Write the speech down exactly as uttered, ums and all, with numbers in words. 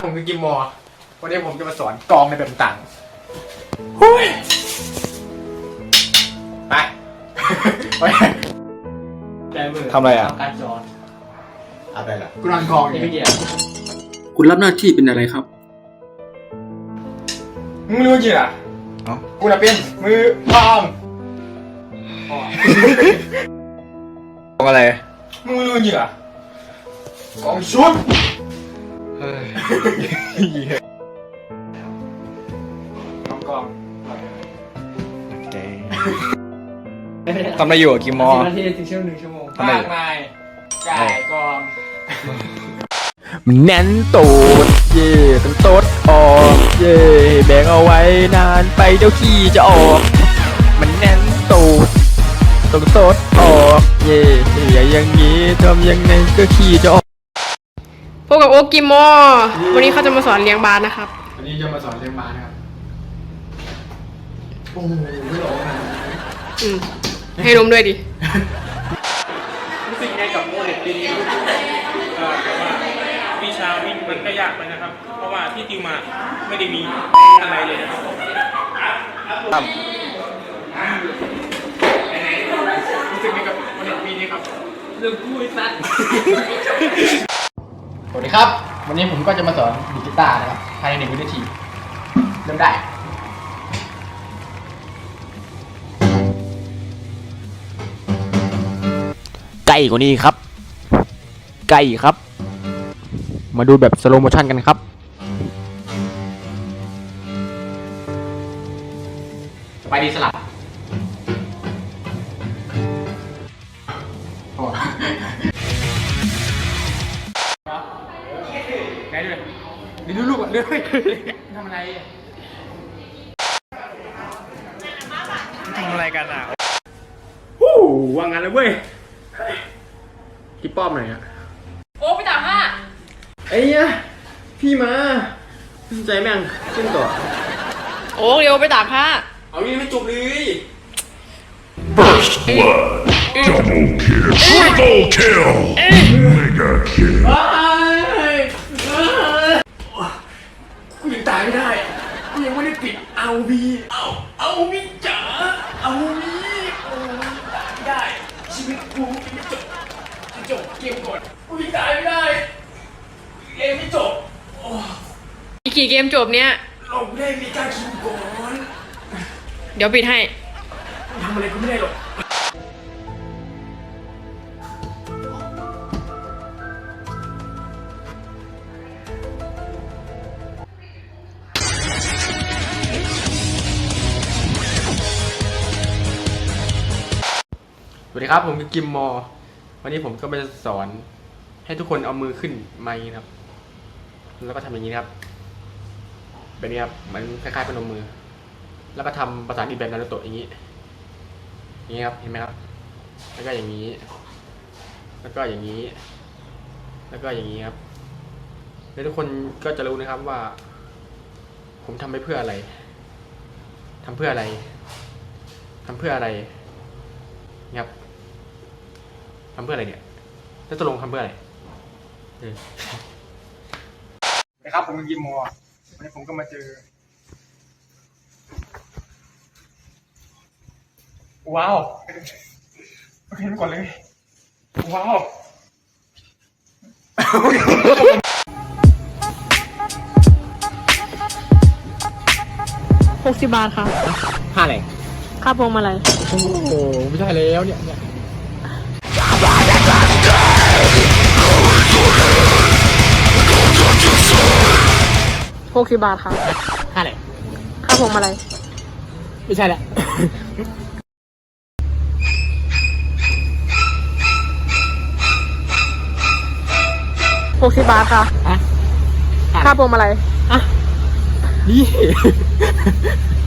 ผมคือกิมมอร์วันนี้ผมจะมาสอนกองในแบบต่างๆหุ้ยไปไปทำอะไรอ่ะการสอนอะไรล่ะกูนอนกองอย่างเงี้ยคุณรับหน้าที่เป็นอะไรครับมึงรู้กี่อ่ะกูน่ะเป็นมือพองกองอะไรมึงรู้กี่อ่ะกองชุดกองกองทำอะไรอยู่กิมมอนาทีถึงชั่วโมงหนึ่งชั่วโมงมากมายไก่กองมันแน่นตูดเย่ต้องตดออกเย่แบกเอาไว้นานไปเดี๋ยวขี้จะออกมันแน่นตูดต้องตดออกเย่อย่าอย่างนี้ทำยังไงก็ขี้จะออกพบกับโอ๊กกิมมอวันนี้เขาจะมาสอนเลี้ยงบาสนะครับวันนี้จะมาสอนเลี้ยงบาสนะครับโอ้โหไม่หลอกนะอืมให้นมด้วยดิรู้สึกยังไงกับโมเดลปีนี้แต่ว่าวิชาวิ่งมันก็ยากไปนะครับเพราะว่าที่ติวมาไม่ได้มีอะไรเลยนะครับรู้สึกยังไงกับโมเดลปีนี้ครับเรื่องพูดสั้นสวัสดีครับวันนี้ผมก็จะมาสอนดีดกีตาร์นะครับภายในหนึ่งวินาทีเริ่มได้ใกล้กว่านี้ครับใกล้ครับมาดูแบบสโลว์โมชั่นกันครับไปดีสลับไหนดูเลยดูลูกอ่ะเรื่อยทำอะไรทำอะไรกันอ่ะวู้วางงานเลยเว้ยพี่ป้อมหน่อยอ่ะโอ๊กไปตามห้าไอ้เนี่ยพี่มาสนใจแม่งขึ้นต่อโอ๊กเร็วไปตามห้าเอางี้ไม่จบเลย First blood, double kill, triple kill, mega kill. กูยังตายไม่ได้กูยังไม่ได้ปิดเอาบีเอาเอาบีจ๋าเอาบีโอ้ยตายไม่ได้ชีวิตกูยังไม่จบจบเกมก่อนกูยังตายไม่ได้เกมไม่จบอีกกี่เกมจบเนี้ยเราไม่ได้มีการคิวก่อนเดี๋ยวปิดให้ทำอะไรกูไม่ได้หรอกสวัสดีครับผมคือกิมมอวันนี้ผมก็จะสอนให้ทุกคนเอามือขึ้นมาอย่างนี้ครับแล้วก็ทำอย่างนี้ครับแบบนี้ครับเหมือนคล้ายๆพนมมือแล้วก็ทำประสานอีกแบบนารูโตะอย่างนี้อย่างนี้ครับเห็นไหมครับแล้วก็อย่างนี้แล้วก็อย่างนี้แล้วก็อย่างนี้ครับแล้วทุกคนก็จะรู้นะครับว่าผมทำไปเพื่ออะไรทำเพื่ออะไรทำเพื่ออะไรครับทำเพื่ออะไรเนี่ยแล้วตกลงทำเพื่ออะไรนะครับผมเป็นกิมมอวันนี้ผมก็มาเจอว้าวโอเคไปก่อนเลยว้าวหกสิบบาทค่ะห้าอะไรค่าพวงมาลัยโอ้โหไม่ใช่แล้วเนี่ยเนี่ยหกสิบบาทค่ะห้าอะไรค่าพวงมาลัยไม่ใช่แหละหกสิบบาทค่ะค่าพวงมาลัยอ่ะนี่